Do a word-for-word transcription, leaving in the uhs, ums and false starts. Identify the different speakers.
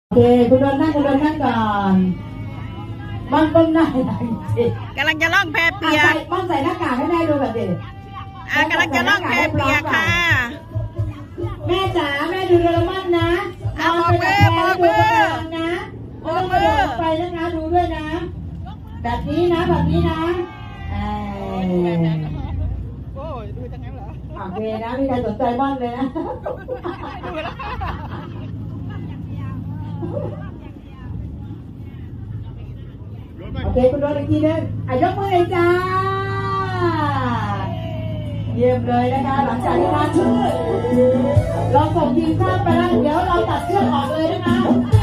Speaker 1: โอเคคุณโดนนั่งคุณโดนนั่งก่อนมันก้มหน้าหน่อยสิ
Speaker 2: กำลังจะล่องแพเปียก
Speaker 1: มันใส่หน้ากากให้แม่ดูแบบนี้
Speaker 2: อ่ะกำลังจะล่องแพเปียกค่ะ
Speaker 1: แม่จ๋าแม่ดูโดเรมอนนะ
Speaker 2: เอาบอกมือบอกมือ
Speaker 1: นะไม่ต้องกระโดดไปนะคะดูด้วยนะแบบนี้นะแบบนี้นะเออ
Speaker 2: โอ้ยดูจังงั้นเหรอ
Speaker 1: โอเคนะมีใครสนใจบ้างเลยนะโอเคคุณโดนอีกทีนึงอ่ะยกมือเลยจ้าเยี่ยมเลยนะคะหลังจากที่ท่านเราส่งทีมชาติไปแล้วเดี๋ยวเราตัดเชือกออกเลยนะคะ